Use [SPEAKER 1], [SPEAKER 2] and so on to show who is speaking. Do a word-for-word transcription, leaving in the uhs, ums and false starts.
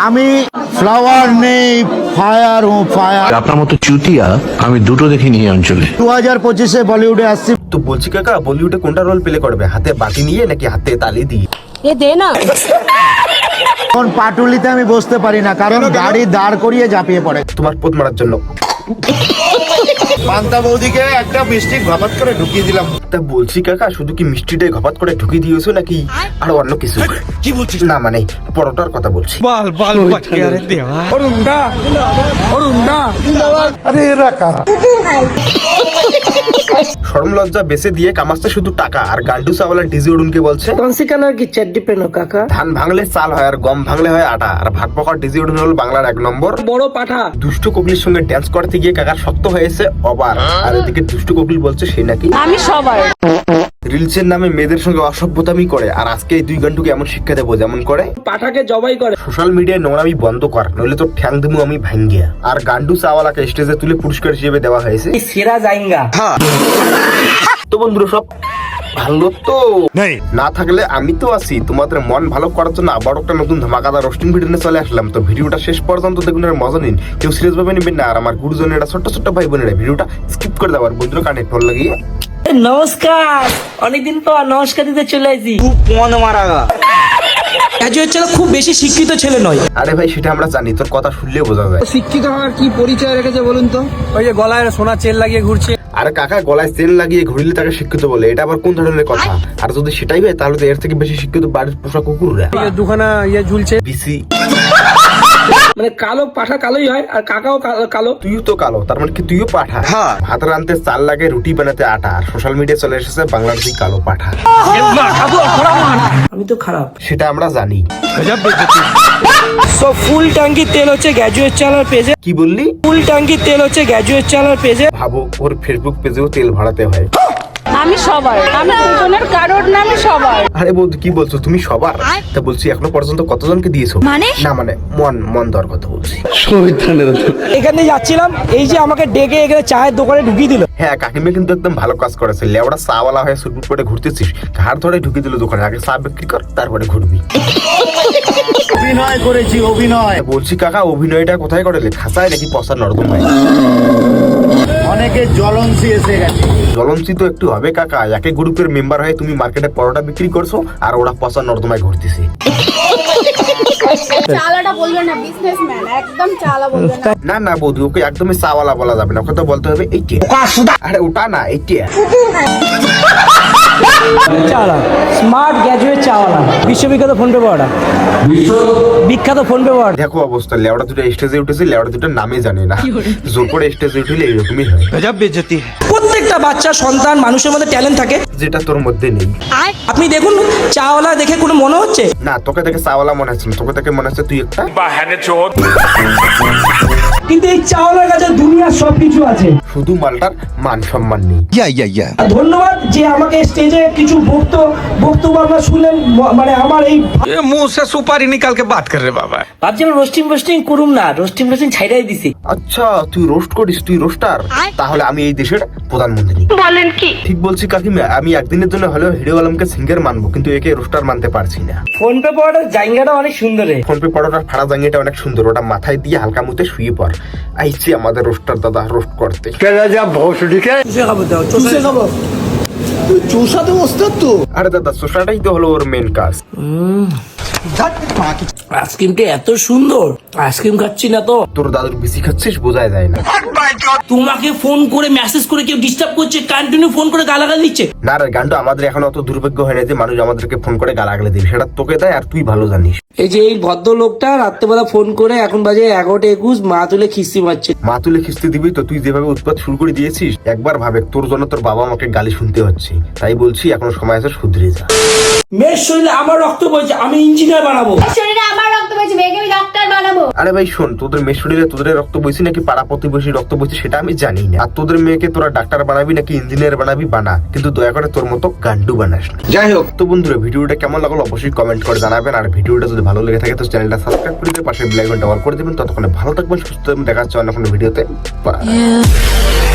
[SPEAKER 1] আমি ফ্লাওয়ার নেই, ফায়ার ও ফায়ার।
[SPEAKER 2] আপনার মতো চুতিয়া আমি দুটো দেখিনি এই অঞ্চলে।
[SPEAKER 1] দু হাজার পঁচিশে বলিউডে আসছি।
[SPEAKER 3] তো বলছি কাকা, বলিউডে কোনটা রোল প্লে করবে, হাতে বাটি নিয়ে নাকি হাতে তালি দিয়ে?
[SPEAKER 4] এ দে না।
[SPEAKER 1] এখন পাটুলিতে আমি বসতে পারি না, কারণ গাড়ি দাঁড় করিয়ে ঝাঁপিয়ে পড়ে।
[SPEAKER 3] তোমার পোদ মারার জন্য।
[SPEAKER 1] পান্তা বৌদিকে একটা মিষ্টি ঘপাত করে ঢুকিয়ে দিলাম।
[SPEAKER 3] তা বলছি কাকা, শুধু কি মিষ্টিটাই ঘপাত করে ঢুকিয়ে দিয়েছো নাকি আর অন্য কিছু?
[SPEAKER 2] কি বলছিস?
[SPEAKER 3] না মানে পরোটার কথা বলছি।
[SPEAKER 5] बाल बाल बच गया रे देवा। अरुंडा अरुंडा
[SPEAKER 1] আরে এরা কারা?
[SPEAKER 3] শরম লজ্জা বেঁচে দিয়ে কামাচ্ছে শুধু টাকা, আর গান্ডু চাওয়ালা ডিজি উডুনকে বলছে
[SPEAKER 4] कौन सी कलर की चड्डी पहनो काका?
[SPEAKER 3] ধান ভাঙলে চাল হয় আর গম ভাঙলে হয় আটা, আর ভাত পকার ডিজি উডুন হল বাংলার এক নম্বর।
[SPEAKER 4] বড় পাঠা।
[SPEAKER 3] দুষ্টু কোকিলের সঙ্গে ড্যান্স করতে গিয়ে কাকার শক্ত হয়েছে অবার, আর এদিকে দুষ্টু কোকিল বলছে সে নাকি
[SPEAKER 4] আমি সবার।
[SPEAKER 3] রিলসের নামে মেয়েদের সঙ্গে অসভ্যতামি করে, আর আজকে এই দুই গান্ডুকে এমন শিক্ষা দেবো যেমন করে
[SPEAKER 4] পাঠাকে জবাই করে।
[SPEAKER 3] সোশ্যাল মিডিয়ায় নোংরামি বন্ধ কর, নইলে তো ঠ্যাং দিমু আমি ভাঙ্গিয়া। আর গান্ডু চাওয়ালাকে স্টেজে তুলে পুরস্কার হিসেবে দেওয়া হয়েছে।
[SPEAKER 4] সেরা জাইঙ্গা।
[SPEAKER 3] তো বন্ধুরা সব ভালো তো না থাকলে আমি তো আছি তোমাদের মন ভালো করার জন্য আবার একটা নতুন ধামাকাদার রোস্টিং ভিডিও নিয়ে চলে আসলাম। তো ভিডিওটা শেষ পর্যন্ত দেখুন আর মজা নিন, কেউ সিরিয়াস ভাবে নেবেন না। আর আমার গুরুজনেরা ছোট্ট ছোট্ট ভাই বোনেরা ভিডিওটা স্কিপ করে দেওয়ার বন্ধুরা কানে ফল লাগিয়ে
[SPEAKER 4] নমস্কার, অনেকদিন পর নমস্কার দিতে চলে আসি।
[SPEAKER 6] গ্রাজুয়েট ছেলে খুব বেশি শিক্ষিত ছেলে নয়।
[SPEAKER 3] আরে ভাই সেটা আমরা জানি, তোর কথা শুনলে বোঝা যায়।
[SPEAKER 6] শিক্ষিত হওয়ার কি পরিচয় রেখেছে বলুন তো? ওই যে গলায় সোনা চেন লাগিয়ে ঘুরছে।
[SPEAKER 3] আরে কাকা, গলায় তেল লাগিয়ে ঘুরিলে তাকে শিক্ষিত বলে, এটা আবার কোন ধরনের কথা? আর যদি সেটাই হয় তাহলে তো এর থেকে বেশি শিক্ষিত বাড়ির পোষা কুকুররা।
[SPEAKER 6] দুখানা ইয়ে ঝুলছে।
[SPEAKER 3] বিসি
[SPEAKER 4] মানে কালো পাঠা কালোই হয়, আর কাকাও কালো- কালো।
[SPEAKER 3] তুইও তো কালো, তার মানে কি তুইও পাঠা? ভাত রানতে চাল লাগে, রুটি বানাতে আটা, আর সোশ্যাল মিডিয়া চলে এসেছে বাংলার দুই কালো পাঠা।
[SPEAKER 4] আমি তো খারাপ।
[SPEAKER 3] সেটা আমরা জানি।
[SPEAKER 6] সো ফুল ট্যাঙ্কি তেল হচ্ছে গ্রাজুয়েট চালার পেজে।
[SPEAKER 3] কি বললি?
[SPEAKER 6] ফুল ট্যাঙ্কি তেল হচ্ছে গ্রাজুয়েট চালার পেজে।
[SPEAKER 3] ভাবো, ওর ফেসবুক পেজেও তেল ভরাতে হয়।
[SPEAKER 4] আমি সবার, আমি দুজনের কারোর না, আমি সবার।
[SPEAKER 3] আরে বৌদি কি বলছো, তুমি সবার? তা বলছি এখনো পর্যন্ত কতজনকে দিয়েছো?
[SPEAKER 4] মানে?
[SPEAKER 3] না মানে মন মন দেওয়ার কথা বলছি।
[SPEAKER 6] এখানে যাচ্ছিলাম, এই যে আমাকে ডেকে এখানে চায়ের দোকানে ঢুকিয়ে দিল।
[SPEAKER 3] হ্যাঁ, কাকিমা কিন্তু একদম ভালো কাজ করেছে। লেওড়া চাওয়ালা হয়ে সুটবুট করে ঘুরতেছিস, ঘাড় ধরে ঢুকিয়ে দিল দোকানে। আগে চা বিক্রি কর, তারপরে ঘুরবি।
[SPEAKER 1] অভিনয় করেছি, অভিনয়।
[SPEAKER 3] বলছি কাকা, অভিনয়টা কোথায় করলে? খাসায় নাকি পসার নর্দমায়?
[SPEAKER 1] অনেকে জ্বলনসি এসে গেছে।
[SPEAKER 3] জ্বলনসি তো একটু হবে কাকা, একে গ্রুপের মেম্বার হয়ে তুমি মার্কেটে পরোটা বিক্রি করছো আর ওরা পসার নর্দমায় ঘুরতেছে।
[SPEAKER 7] চালাটা বলবে না, বিজনেসম্যান একদম চালা বলবে না।
[SPEAKER 3] না না বৌদি, ওকে একদমই চাওয়ালা বলা যাবে না, ওকে তো বলতে হবে এইটা। আরে ওটা না, এইটা।
[SPEAKER 6] চাওয়ালা স্মার্ট গ্রাজুয়েট চাওয়ালা, বিশ্ববিখ্যাত ফোন পে পাওয়াটা, বিখ্যাত ফোন পে পাওয়াটা।
[SPEAKER 3] দেখো অবস্থা, লেওড়া দুটো স্টেজে উঠেছে, লেওড়া দুটো নামে জানে না। জোর করে স্টেজে উঠলে এরকমই হয়।
[SPEAKER 5] गजब बेइज्जती है।
[SPEAKER 6] প্রত্যেকটা বাচ্চা সন্তান মানুষের মধ্যে ট্যালেন্ট থাকে।
[SPEAKER 3] যেটা তোর মধ্যে নেই।
[SPEAKER 6] আপনি দেখুন, চাওয়ালা দেখে কোনো মনে হচ্ছে
[SPEAKER 3] না, তোকে দেখে চাওয়ালা মনে হচ্ছে না, তোকে দেখে মনে হচ্ছে তুই একটা
[SPEAKER 6] কিন্তু এই চাওয়ালার কাছে দুনিয়ার সবকিছু আছে।
[SPEAKER 3] শুধু মালটার মান সম্মান নেই।
[SPEAKER 6] আর ধন্যবাদ যে আমাকে স্টেজে কিছু বক্তব্য বক্তব্য আমরা শুনলেন, ম- মানে আমার এই
[SPEAKER 5] ये मुंह से सुपारी निकाल के बात कर रहे बाबा।
[SPEAKER 4] ভাবছি আমি রোস্টিং ফোস্টিং করুম না, রোস্টিং ফোস্টিং ছাইড়াই দিছি।
[SPEAKER 3] আচ্ছা, তুই রোস্ট করিস, তুই রোস্টার? তাহলে আমি এই দেশের প্রধানমন্ত্রী।
[SPEAKER 4] বলেন কি?
[SPEAKER 3] ঠিক বলছি কাকিমা, আমি একদিনের জন্য হলেও হিরো আলমকে সিঙ্গার মানবো, কিন্তু একে রোস্টার মানতে পারছি না।
[SPEAKER 4] ফোন পে পাওয়াটার জায়গাটা অনেক সুন্দর রে।
[SPEAKER 3] ফোন পে পড়াটার ফাড়া জাঙ্গিটা অনেক সুন্দর, ওটা মাথায় দিয়ে হালকা মুতে শুয়ে পড়। আইছি আমাদের রোস্টার দাদা রোস্ট করতে।
[SPEAKER 6] চুষে খাবো।
[SPEAKER 1] চুষাতে বসতে তো।
[SPEAKER 3] আরে দাদা, সোসাটাই তো হলো ওর মেন কাজ।
[SPEAKER 4] আইসক্রিমটা এত সুন্দর, আইসক্রিম খাচ্ছি না তো।
[SPEAKER 3] তোর দাদুর বিসি খাচ্ছিস বোঝাই যায় না।
[SPEAKER 4] তোমাকে ফোন করে মেসেজ করে কেউ ডিস্টার্ব করছে, কন্টিনিউ ফোন করে গালাগাল দিচ্ছে।
[SPEAKER 3] না রে গান্ডু, আমাদের এখন অত দুর্ভাগ্য হয় না যে মানুষ আমাদেরকে ফোন করে গালাগালি দিবে, সেটা তোকে দেয় আর তুই ভালো জানিস।
[SPEAKER 4] এই যে এই ভদ্র লোকটা রাত্রেবেলা ফোন করে, এখন বাজে এগারোটা একুশ, মা তুলে খিস্তি মারছে।
[SPEAKER 3] মা তুলে খিস্তি দিবি তো? তুই যেভাবে উৎপাত শুরু করে দিয়েছিস, একবার ভাবে তোর জন্য তোর বাবা আমাকে গালি শুনতে হচ্ছে। তাই বলছি এখনো সময় আছে, শুধরে যা।
[SPEAKER 6] মেয়ের শরীরে আমার রক্ত বইছে, আমি ইঞ্জিনিয়ার বানাবো।
[SPEAKER 7] শরীরে আমার রক্ত বইছে, মেয়েকে আমি ডক্টর বানাবো।
[SPEAKER 3] আরে ভাই শোন, তোদের মেয়ের শরীরে তোদের রক্ত বইছে নাকি পাড়া প্রতিবেশী রক্ত বইছে সেটা আমি জানি না। আর তোদের মেয়েকে তোরা ডাক্তার বানাবি নাকি ইঞ্জিনিয়ার বানাবি বানা, কিন্তু দয়া করে তোর মতো গান্ডু বানাস না। যাই হোক, তো বন্ধুরা ভিডিওটা কেমন লাগলো অবশ্যই কমেন্ট করে জানাবেন। আর ভিডিওটা যদি ভালো লেগে থাকে তো চ্যানেলটা সাবস্ক্রাইব করে দিয়ে পাশে বেল আইকনটা অন করে দেবেন। ততক্ষণে ভালো থাকবেন, সুস্থ থাকবেন, দেখা হচ্ছে অন্য কোনো ভিডিওতে। Bye.